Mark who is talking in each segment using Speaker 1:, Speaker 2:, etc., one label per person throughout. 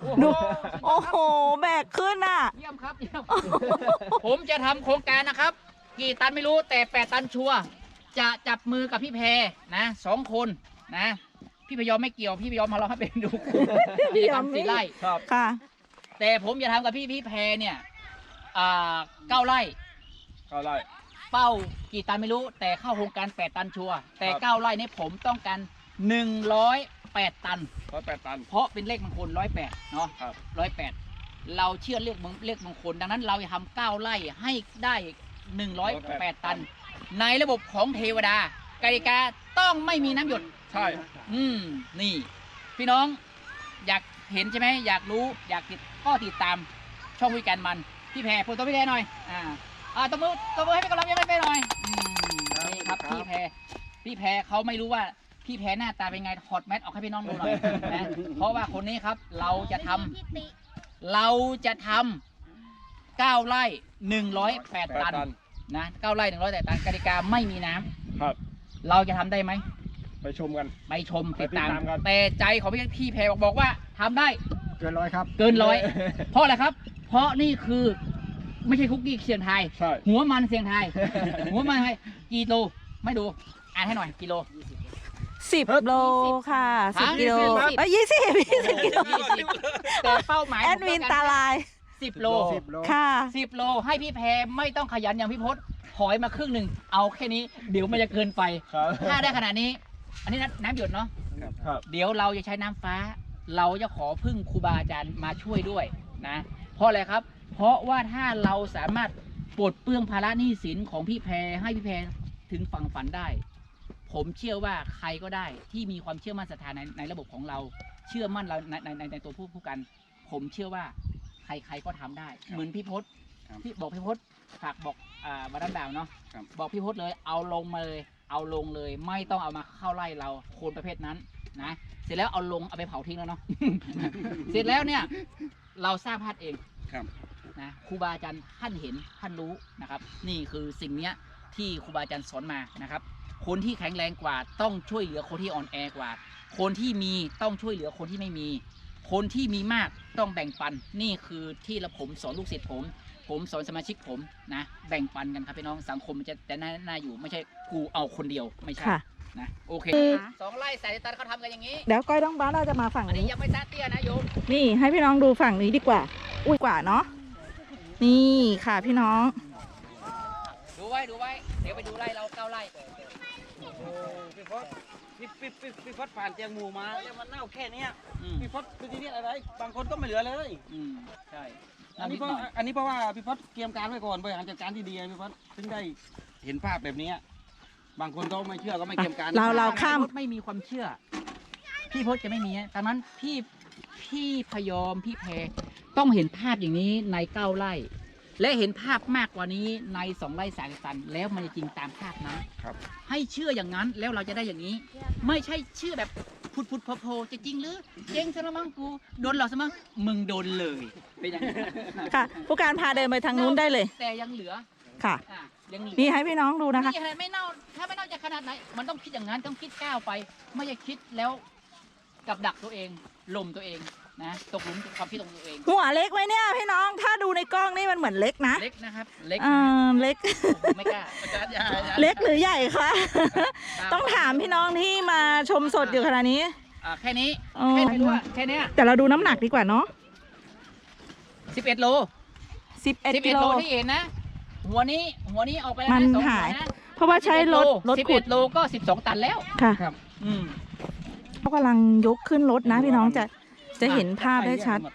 Speaker 1: ดูโอ้โหแบกขึ้นอ่ะ
Speaker 2: เยี่ยมครับเยี่ยมผมจะทำโครงการนะครับกี่ตันไม่รู้แต่8 ตันชัวร์จะจับมือกับพี่แพรนะ2 คนนะพี่พยอมไม่เกี่ยวพี่พยอมมาเราให้เป็นดูพี่ทำ4 ไร่
Speaker 3: ครับ
Speaker 1: ค่ะ
Speaker 2: แต่ผมจะทำกับพี่แพรเนี่ย9 ไร่
Speaker 3: 9 ไร่
Speaker 2: เป้ากี่ตันไม่รู้แต่เข้าโครงการ8 ตันชัวร์แต่
Speaker 3: ครับ
Speaker 2: 9 ไร่นี้ผมต้องการ108 ตัน
Speaker 3: 108 ตัน
Speaker 2: เพราะเป็นเลขมงคล108เนาะ
Speaker 3: ครับ
Speaker 2: 108เราเชื่อเลขมงคลดังนั้นเราจะทำ9 ไร่ให้ได้108 ตัน ในระบบของเทวดากติกาต้องไม่มีน้ำหยด
Speaker 3: ใช่
Speaker 2: นี่ พี่น้องอยากเห็นใช่ไหมอยากรู้อยากติดตามช่องวิการมันพี่แพรพูดตัวพี่แพรหน่อยตบมือให้เป็นกำลังใจให้ไปหน่อยนี่ครับพี่แพรเขาไม่รู้ว่าพี่แพรหน้าตาเป็นไงถอดแมสออกให้พี่น้องดูหน่อยนะเพราะว่าคนนี้ครับเราจะทำ9 ไร่108 ตันนะ9 ไร่108 ตันกติกาไม่มีน้ำ
Speaker 3: ครับ
Speaker 2: เราจะทำได้ไหม
Speaker 3: ไปชมกัน
Speaker 2: ไปชมติดตาม
Speaker 3: ไปติดตามกัน
Speaker 2: แต่ใจของพี่แพรบอกว่าทำได้
Speaker 3: เกิน100 ครับ
Speaker 2: เกิน100 เพราะอะไรครับ เพราะนี่คือไม่ใช่คุกกี้เสียงไทย
Speaker 3: ใช่
Speaker 2: หัวมันเสียงไทย หัวมันไทยกิโลไม่ดูอ่านให้หน่อยกิโล
Speaker 1: 10 โลค่ะ10 กิโล
Speaker 2: 20
Speaker 1: เอ้ย20 กิโล
Speaker 2: แต่เป้าหมาย
Speaker 1: แอดมินตาลาย
Speaker 2: 10 โล
Speaker 1: ค่ะ
Speaker 2: 10 โลให้พี่แพรไม่ต้องขยันอย่างพี่พศถอยมาครึ่งหนึ่งเอาแค่นี้เดี๋ยวมันจะเกินไป
Speaker 3: ครับ
Speaker 2: ถ้าได้ขนาดนี้ อันนี้น้ำหยดเนาะ
Speaker 3: ครับ
Speaker 2: เดี๋ยวเราจะใช้น้ำฟ้า เราจะขอพึ่งครูบาอาจารย์มาช่วยด้วยนะ เพราะอะไรครับ เพราะว่าถ้าเราสามารถปลดเปลื้องภาระหนี้สินของพี่แพรให้พี่แพรถึงฝั่งฝันได้ ผมเชื่อว่าใครก็ได้ที่มีความเชื่อมั่นศรัทธาในระบบของเรา เชื่อมั่นเราในตัวผู้กัน ผมเชื่อว่าใครก็ทำได้ เหมือนพี่พศ
Speaker 3: ครับ
Speaker 2: ที่บอกพี่พศฝากบอกมาด้านดาวเนาะ
Speaker 3: ครับ
Speaker 2: บอกพี่พศเลยเอาลงมาเลย เอาลงเลย ไม่ต้องเอามาเข้าไล่เราโคนประเภทนั้นนะ เสร็จแล้วเอาลงเอาไปเผาทิ้งแล้วเนาะ เสร็จแล้วเนี่ยเราสร้างพลาดเอง
Speaker 3: ครับ
Speaker 2: นะครูบาอาจารย์ท่านเห็นท่านรู้นะครับ นี่คือสิ่งเนี้ยที่ครูบาอาจารย์สอนมานะครับ คนที่แข็งแรงกว่าต้องช่วยเหลือคนที่อ่อนแอกว่า คนที่มีต้องช่วยเหลือคนที่ไม่มี คนที่มีมากต้องแบ่งปัน นี่คือที่ผมสอนลูกศิษย์ผมสอนสมาชิกผมนะ แบ่งปันกันครับพี่น้องสังคมมันจะน่าอยู่ไม่ใช่กูเอาคนเดียวไม่ใช่
Speaker 1: ค่ะ
Speaker 2: นะโอเค 2 ไร่สายตันเขาทำกันอย่างนี้
Speaker 1: เดี๋ยวก้อยต้องบ้านเราจะมาฝั่ง
Speaker 2: อันนี้
Speaker 1: นี้
Speaker 2: ยังไม่ซาเตี้ยนะโยม
Speaker 1: นี่ให้พี่น้องดูฝั่งนี้ดีกว่า อุ้ยกว่าเนาะ นี่ค่ะพี่น้อง
Speaker 2: ดูไว้ เดี๋ยวไปดูไร่เรา9 ไร่
Speaker 4: พี่พศพี่พศผ่านเตียงหมูมาแล้วมันเน่าแค่เนี้ย
Speaker 2: อืม
Speaker 4: พี่พศคือที่นี่อะไร บางคนก็ไม่เหลือเลย
Speaker 2: ใช่
Speaker 4: อันนี้เพราะว่าพี่พศเตรียมการไว้ก่อนบริหารจัดการที่ดีไงพี่พศถึงได้เห็นภาพแบบนี้บางคนก็ไม่เชื่อก็ไม่เตรียมการ
Speaker 1: เราข้าม
Speaker 2: พี่พศไม่มีความเชื่อ พี่พศจะไม่มีดังนั้นพี่พยอมพี่แพรต้องเห็นภาพอย่างนี้ใน9 ไร่ และเห็นภาพมากกว่านี้ใน2 ไร่3 ตัน แล้วมันจะจริงตามภาพนั้น
Speaker 3: ครับ
Speaker 2: ให้เชื่ออย่างนั้นแล้วเราจะได้อย่างนี้ ไม่ใช่เชื่อแบบพุดโผล่จะจริงหรือเจ๊งซะแล้วมั้งกูโดนหลอกซะมั้งมึงโดนเลยเป็นอย่างนี้
Speaker 1: ค่ะ ผู้การพาเดินไปทางนู้นได้เลย
Speaker 2: แต่ยังเหลือ
Speaker 1: ค่ะ
Speaker 2: ยังเหลือ
Speaker 1: นี่ให้พี่น้องดูนะคะ
Speaker 2: นี่ขนาดไม่เน่าถ้าไม่เน่าจะขนาดไหนมันต้องคิดอย่างนั้นต้องคิดก้าวไป ไม่ใช่คิดแล้วกับดักตัวเองลมตัวเองนะตกหลุมความคิดของตัวเอง
Speaker 1: หัวเล็กไหมเนี่ยพี่น้อง ถ้าดูในกล้องนี่มันเหมือนเล็กนะ
Speaker 2: เล็กนะครับเล็ก
Speaker 1: เล็ก
Speaker 2: ไม่กล้าอาจารย์อย่า
Speaker 1: เล็กหรือใหญ่คะ ต้องถามพี่น้องที่มาชมสดอยู่ขณะนี้
Speaker 2: แค่นี้
Speaker 1: อ๋อ
Speaker 2: แค่ไม่รู้ว่าแค่เนี้ย
Speaker 1: แต่เราดูน้ำหนักดีกว่าเนาะ
Speaker 2: 11 โล
Speaker 1: 11 กิโล
Speaker 2: ที่เห็นนะ หัวนี้ออกไปแล้ว
Speaker 1: มัน
Speaker 2: นะ2
Speaker 1: หาย
Speaker 2: หัวนะ
Speaker 1: เพราะว่าใช้รถขุด
Speaker 2: 11 โลก็ 12 ตันแล้ว
Speaker 1: ค่ะ
Speaker 2: อืม
Speaker 1: เขากำลังยกขึ้นรถนะพี่น้องจะเห็นภาพได้ชัด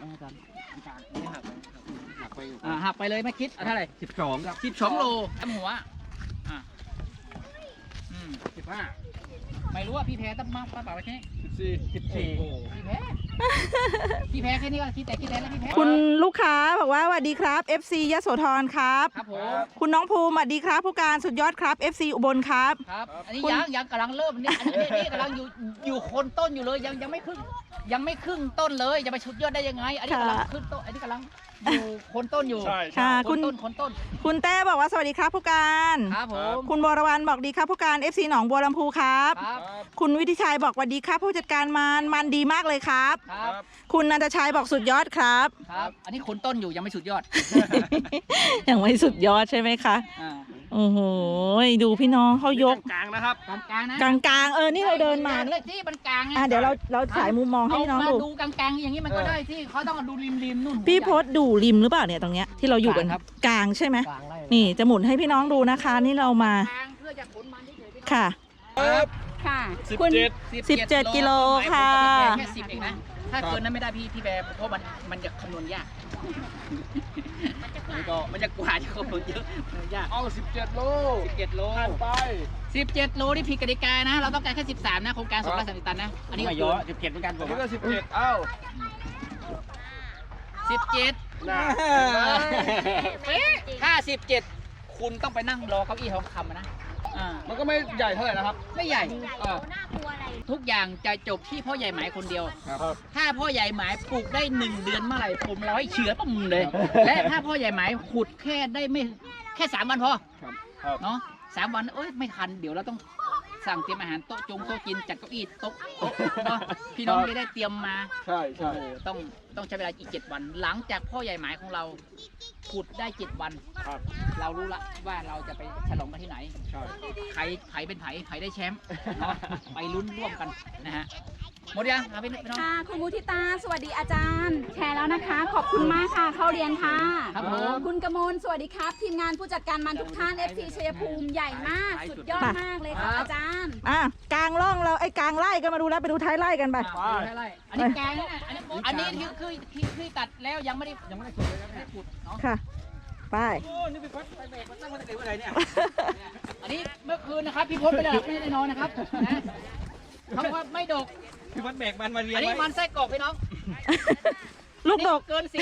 Speaker 2: หักไปเลยไม่คิดเท่าไหร่
Speaker 4: 12ครับ
Speaker 2: 12 โลทำหัว
Speaker 4: 15
Speaker 2: ไม่รู้ว่าพี่แพ้ต้องมากป้าเปล่าแค่นี้
Speaker 3: 14
Speaker 2: พี่แพ้แค่นี้ก็คิดแล้วพี่แพ้
Speaker 1: คุณลูกค้าบอกว่าสวัสดีครับ FC ยโสธรครับ
Speaker 2: ครับผม
Speaker 1: คุณน้องภูมิสวัสดีครับผู้การสุดยอดครับ FC อุบลครับ
Speaker 2: ครับ อันนี้ยังกำลังเริ่มนี่อันนี้กำลังอยู่โคนต้นอยู่เลยยังไม่ครึ่งต้นเลยจะไปชุดยอดได้ยังไง อันนี้กำลังขึ้นต้นอันนี้กำลังอยู่โคนต้นอยู่
Speaker 3: ใช่
Speaker 1: ค่ะ
Speaker 2: โคนต้น
Speaker 1: คุณแต้บอกว่าสวัสดีครับผู้การ
Speaker 2: ครับผม
Speaker 1: คุณบวรวรรณบอกดีครับผู้การ FC หนองบัวลำพูครับ
Speaker 2: ครับ
Speaker 1: คุณวิทิชัยบอกสวัสดีครับผู้จัดการมันดีมากเลยครับ
Speaker 2: ครับ
Speaker 1: คุณนันทชัยบอกสุดยอดครับ
Speaker 2: ครับ อันนี้คนต้นอยู่ยังไม่สุดยอด
Speaker 1: ยังไม่สุดยอดใช่ไหมคะ
Speaker 2: อ่า
Speaker 1: โอ้โหดูพี่น้องเขายก
Speaker 3: กลางๆนะครับ
Speaker 2: กลางๆนะ
Speaker 1: กลางๆนี่เราเดินมา
Speaker 2: เลยที่มันกลางไง
Speaker 1: เดี๋ยวเราถ่ายมุมมองให้
Speaker 2: เอา
Speaker 1: พี่น้อง
Speaker 2: มา
Speaker 1: ดู
Speaker 2: ดูกลางๆอย่างนี้มันก็ได้ที่เขาต้องดูริมนู่น
Speaker 1: พี่พศดูริมหรือเปล่าเนี่ยตรงเนี้ยที่เราอยู่กัน
Speaker 2: กลางครับ
Speaker 1: กลางใช่ไหม
Speaker 2: กลางไล่
Speaker 1: นี่จะหมุนให้พี่น้องดูนะคะ นี่เรามา
Speaker 2: กลางเพื่อจะขนมันเฉยๆพี่น้อง
Speaker 1: ค่ะ
Speaker 5: ค่ะ
Speaker 3: 17
Speaker 5: คุณ
Speaker 1: 17กิโลค่ะ
Speaker 2: แค่10เองนะ ถ้าเกินนั้นไม่ได้พี่แบร์เพราะมันจะคำนวณยากมันจะกว่าจะคำนวณเยอะมันยาก
Speaker 3: เอา 17 โล
Speaker 2: 17 โล
Speaker 3: ผ่านไป
Speaker 2: 17 โลนี่ผิดกติกานะ เราต้องการแค่ 13 นะโครงการ230 ตันนะ อันนี้
Speaker 4: ไม่
Speaker 2: ก็
Speaker 4: เย
Speaker 2: เกิ
Speaker 4: อะ
Speaker 2: น
Speaker 4: 17เหมือนกันผ
Speaker 3: อัน
Speaker 4: ม
Speaker 3: นี้ก็ 17 เอ้า
Speaker 2: 17
Speaker 3: น่า
Speaker 2: ถ้า 17 คุณต้องไปนั่งรอเก้าอี้ทองคำอะนะอ่า
Speaker 3: มันก็ไม่ใหญ่เท่าไหร่นะครับ
Speaker 2: ไม่ใหญ่
Speaker 3: อ่า
Speaker 2: ทุกอย่างจะจบที่พ่อใหญ่หมายคนเดียว
Speaker 3: ครับ
Speaker 2: ถ้าพ่อใหญ่หมายปลูกได้1 เดือนเมื่อไหร่ผมร้อยเฉือปุ่มเลย และถ้าพ่อใหญ่หมายขุดแค่ได้ไม่แค่3 วันพอ
Speaker 3: ครับครับ
Speaker 2: เนาะ3 วันเอ้ยไม่ทันเดี๋ยวเราต้องสั่งเตรียมอาหารโต๊ะกินจัดเก้าอี้โต๊ะเนาะพี่น้องจะได้เตรียมมา
Speaker 3: ใช่ใช่
Speaker 2: โอ้โหต้องใช้เวลาอีก7 วัน หลังจากพ่อใหญ่หมายของเราขุดได้7 วัน
Speaker 3: ครับ
Speaker 2: เรารู้ละว่าเราจะไปฉลองกันที่ไหน
Speaker 3: ใช่
Speaker 2: ไผ่เป็นไผ่ได้แชมป์เนาะไปลุ้นร่วมกันนะฮะหมดยังครับพี่น้อง
Speaker 5: ค่ะ คุณมุทิตา สวัสดีอาจารย์ แชร์แล้วนะคะ ขอบคุณมากค่ะ เข้าเรียนค่ะ
Speaker 2: ครับผม
Speaker 5: คุณกมลสวัสดีครับ ทีมงานผู้จัดการมันทุกท่าน FC ชัยภูมิใหญ่มาก สุดยอดมากเลยครับอาจารย์
Speaker 1: กลางร่องเรากลางไล่กันมาดูแล้วไปดูท้ายไล่กันไป
Speaker 2: ไล่อันนี้แกงนะอันนี้คือตัดแล้วยังไม่ได้ขุดเลยไม่ได้ขุดเนาะ
Speaker 1: ค่ะ ไป
Speaker 4: โอ้นี่พี่พศไปเบรกมันตั้งมาตั้งแต่เมื่อไหร่เนี่ย
Speaker 2: อันนี้เมื่อคืนนะครับพี่พศไม่ได้หลับไม่ได้นอนนะครับนะเขาว่าไม่ดก
Speaker 4: พี่พศเบรกมันมาเรียน
Speaker 2: อันนี้
Speaker 4: ไว้
Speaker 2: มันไส้กรอกพี่น้อง
Speaker 1: ลูกดก
Speaker 2: เกิน